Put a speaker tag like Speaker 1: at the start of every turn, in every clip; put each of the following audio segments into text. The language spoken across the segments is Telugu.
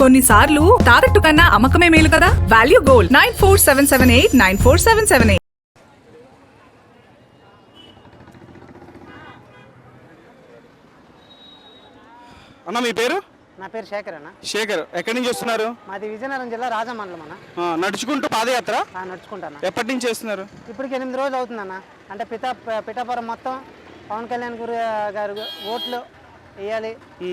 Speaker 1: కొన్నిసార్లు తాకట్టు కన్నా అమ్మకమే మేలు కదా. Value gold 9477894778.
Speaker 2: అన్న మీ పేరు?
Speaker 3: నా పేరు శేఖర్ అన్న.
Speaker 2: శేఖర్, ఎక్కడి నుంచి వస్తున్నారు?
Speaker 3: మాది విజయనగరం జిల్లా రాజమండలం అన్న.
Speaker 2: నడుచుకుంటూ పాదయాత్ర
Speaker 3: నడుచుకుంటాను.
Speaker 2: ఎప్పటి నుంచి చేస్తున్నారు?
Speaker 3: ఇప్పటికి 8 రోజులు అవుతుందన్న. అంటే పిఠాపురం మొత్తం పవన్ కళ్యాణ్ గారు ఓట్లు వేయాలి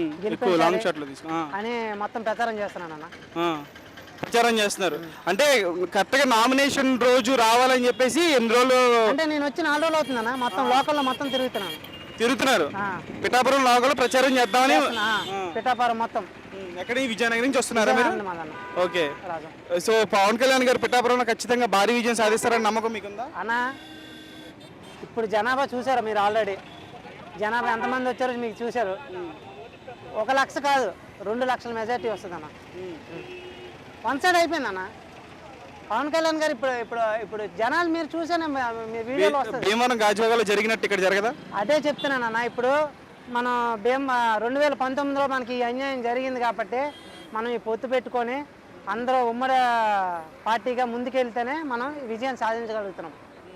Speaker 3: అని మొత్తం ప్రచారం చేస్తున్నానన్న.
Speaker 2: ప్రచారం చేస్తున్నారు అంటే కరెక్ట్గా నామినేషన్ రోజు రావాలని చెప్పేసి ఎన్ని రోజులు?
Speaker 3: అంటే నేను వచ్చి 4 రోజులు అవుతుందన్న. మొత్తం లోకల్లో మొత్తం తిరుగుతున్నాను.
Speaker 2: పిఠాపురం లోకల్ ప్రచారం చేద్దామని.
Speaker 3: పిఠాపురం మొత్తం
Speaker 2: ఎక్కడ? విజయనగరం నుంచి వస్తున్నారా మీరు? ఓకే. సో పవన్ కళ్యాణ్ గారు పిఠాపురంలో ఖచ్చితంగా భారీ విజయం సాధిస్తారని నమ్మకం మీకుందా
Speaker 3: అన్న? ఇప్పుడు జనాభా చూసారు మీరు, ఆల్రెడీ జనాభా ఎంతమంది వచ్చారో మీకు చూశారు. 1 లక్ష కాదు 2 లక్షల మెజార్టీ వస్తుంది అన్న. 1 సైడ్ అయిపోయింది అన్న. పవన్ కళ్యాణ్ గారు ఇప్పుడు జనాలు మీరు చూసానే మీ వీడియోలో వస్తుంది.
Speaker 2: భీమవరం గాజువాకలో జరిగినట్టు ఇక్కడ జరగదా?
Speaker 3: అదే చెప్తున్నానన్న. ఇప్పుడు మనం 2019లో మనకి ఈ అన్యాయం జరిగింది కాబట్టి మనం ఈ పొత్తు పెట్టుకొని అందరూ ఉమ్మడి పార్టీగా ముందుకెళ్తేనే మనం విజయం సాధించగలుగుతున్నాం.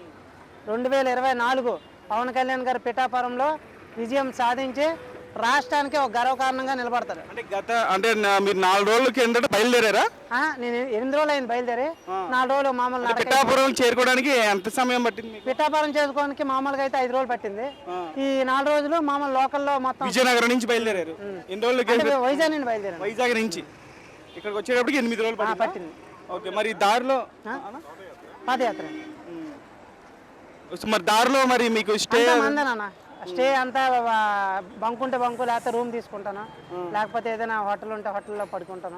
Speaker 3: 2024 పవన్ కళ్యాణ్ గారు పిఠాపురంలో విజయం సాధించి రాష్ట్రానికి ఒక గర్వకారణంగా నిలబడతారు.
Speaker 2: అంటే మీరు 4 రోజుల కిందట బయలుదేరారా?
Speaker 3: నేను 8 రోజులు అయింది బయలుదేరి. 4 రోజులు మామూలు
Speaker 2: పిఠాపురం చేరుకోవడానికి ఎంత సమయం పట్టింది?
Speaker 3: పిఠాపురం చేసుకోవడానికి మామూలుగా అయితే 5 రోజులు పట్టింది. ఈ 4 రోజులు మామూలు లోకల్లో మొత్తం.
Speaker 2: విజయనగరం నుంచి బయలుదేరారు? ఎన్ని రోజులు?
Speaker 3: వైజాగ్ నుండి బయలుదేరారు.
Speaker 2: వైజాగ్ నుంచి ఇక్కడికి వచ్చేటప్పటికి 8 రోజులు పట్టింది. ఓకే. మరి దారిలో
Speaker 3: పాదయాత్ర.
Speaker 2: మరి దారిలో మరి మీకు స్టే
Speaker 3: అంతా బంకుంటే బంకు, లేకపోతే రూమ్ తీసుకుంటాను, లేకపోతే ఏదైనా హోటల్ ఉంటే హోటల్లో పడుకుంటాను.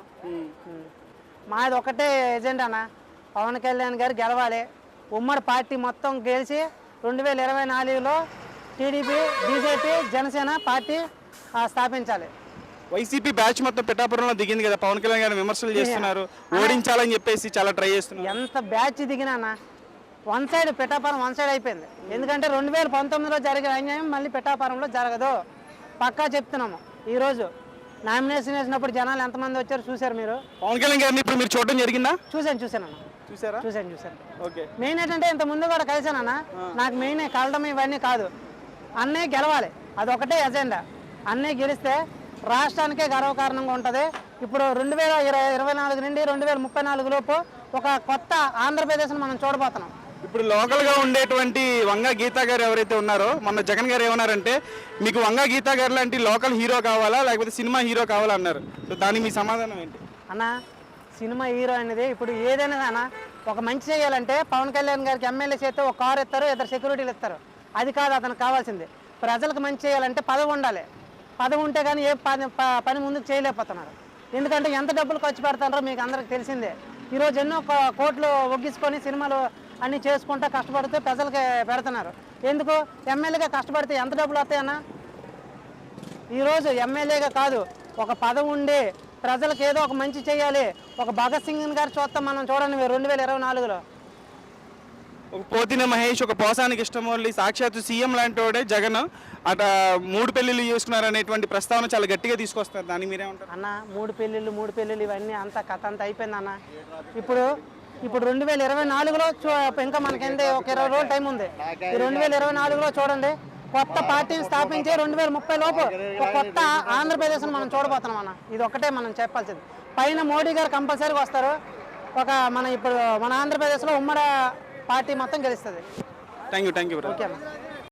Speaker 3: మాది ఒకటే ఎజెండా అన్న, పవన్ కళ్యాణ్ గారు గెలవాలి. ఉమ్మడి పార్టీ మొత్తం గెలిచి 2024లో టీడీపీ, బీజేపీ, జనసేన పార్టీ స్థాపించాలి.
Speaker 2: వైసీపీ బ్యాచ్ మొత్తం పిఠాపురంలో దిగింది కదా, పవన్ కళ్యాణ్ గారు విమర్శలు చేస్తున్నారు, ఓడించాలని చెప్పేసి చాలా ట్రై చేస్తున్నారు.
Speaker 3: ఎంత బ్యాచ్ దిగినా 1 సైడ్ పిఠాపురం 1 సైడ్ అయిపోయింది. ఎందుకంటే 2019లో జరిగిన అన్యాయం మళ్ళీ పిఠాపురంలో జరగదు. పక్కా చెప్తున్నాము. ఈరోజు నామినేషన్ వేసినప్పుడు జనాలు ఎంతమంది వచ్చారు చూసారు మీరు.
Speaker 2: పవన్ కళ్యాణ్ గారిని ఇప్పుడు మీరు చూడడం జరిగిందా?
Speaker 3: చూశాను.
Speaker 2: ఓకే.
Speaker 3: మెయిన్ ఏంటంటే ఇంత ముందు కూడా కలిసానన్న. నాకు మెయిన్ కలడం ఇవన్నీ కాదు, అన్నే గెలవాలి, అదొకటే ఎజెండా. అన్నే గెలిస్తే రాష్ట్రానికే గర్వకారణంగా ఉంటుంది. ఇప్పుడు 2024 నుండి 2034 లోపు ఒక కొత్త ఆంధ్రప్రదేశ్ని మనం చూడబోతున్నాం.
Speaker 2: ఇప్పుడు లోకల్గా ఉండేటువంటి వంగ గీతా గారు ఎవరైతే ఉన్నారో, మొన్న జగన్ గారు ఏమన్నారంటే మీకు వంగ గీతా గారు లాంటి లోకల్ హీరో కావాలా లేకపోతే సినిమా హీరో కావాలా అన్నారు. సో దానికి మీ సమాధానం ఏంటి
Speaker 3: అన్న? సినిమా హీరో అనేది ఇప్పుడు ఏదైనా అన్న, ఒక మంచి చేయాలంటే పవన్ కళ్యాణ్ గారికి ఎమ్మెల్యే చేస్తే ఒక కారు ఇస్తారు, 2 సెక్యూరిటీలు ఇస్తారు. అది కాదు అతనికి కావాల్సింది. ప్రజలకు మంచి చేయాలంటే పదవి ఉండాలి. పదవి ఉంటే కానీ ఏ పని ముందుకు చేయలేకపోతున్నారు. ఎందుకంటే ఎంత డబ్బులు ఖర్చు పెడతారో మీకు అందరికి తెలిసిందే. ఈరోజు ఎన్నో కోట్లు ఒగ్గించుకొని సినిమాలు అన్నీ చేసుకుంటూ కష్టపడితే ప్రజలకి పెడుతున్నారు. ఎందుకు? ఎమ్మెల్యేగా కష్టపడితే ఎంత డబ్బులు వస్తాయన్నా? ఈరోజు ఎమ్మెల్యేగా కాదు, ఒక పదవి ఉండి ప్రజలకు ఏదో ఒక మంచి చేయాలి. ఒక భగత్ సింగ్ గారు చూస్తాం మనం, చూడండి 2024లో.
Speaker 2: ఒక పోతిన మహేష్, ఒక పోసానికి ఇష్టమోళ్ళి, సాక్షాత్తు సీఎం లాంటి వాడే జగన్ అట 3 పెళ్లిళ్ళు చేసుకున్నారు అనేటువంటి ప్రస్తావన చాలా గట్టిగా తీసుకొస్తారు. దాన్ని మీరేమంటారు
Speaker 3: అన్న? 3 పెళ్లిళ్ళు ఇవన్నీ అంతా కథ అంతా అయిపోయింది అన్న. ఇప్పుడు 2024లో ఇంకా మనకేంటి ఒక 20 రోజులు టైం ఉంది. ఈ 2024లో చూడండి, కొత్త పార్టీని స్థాపించి 2030 లోపు ఒక కొత్త ఆంధ్రప్రదేశ్ని మనం చూడబోతున్నాం అన్న. ఇది ఒకటే మనం చెప్పాల్సింది. పైన మోడీ గారు కంపల్సరీగా వస్తారు. ఇప్పుడు మన ఆంధ్రప్రదేశ్లో ఉమ్మడి పార్టీ మొత్తం గెలుస్తుంది.
Speaker 2: Thank you.
Speaker 3: ఓకే అన్న.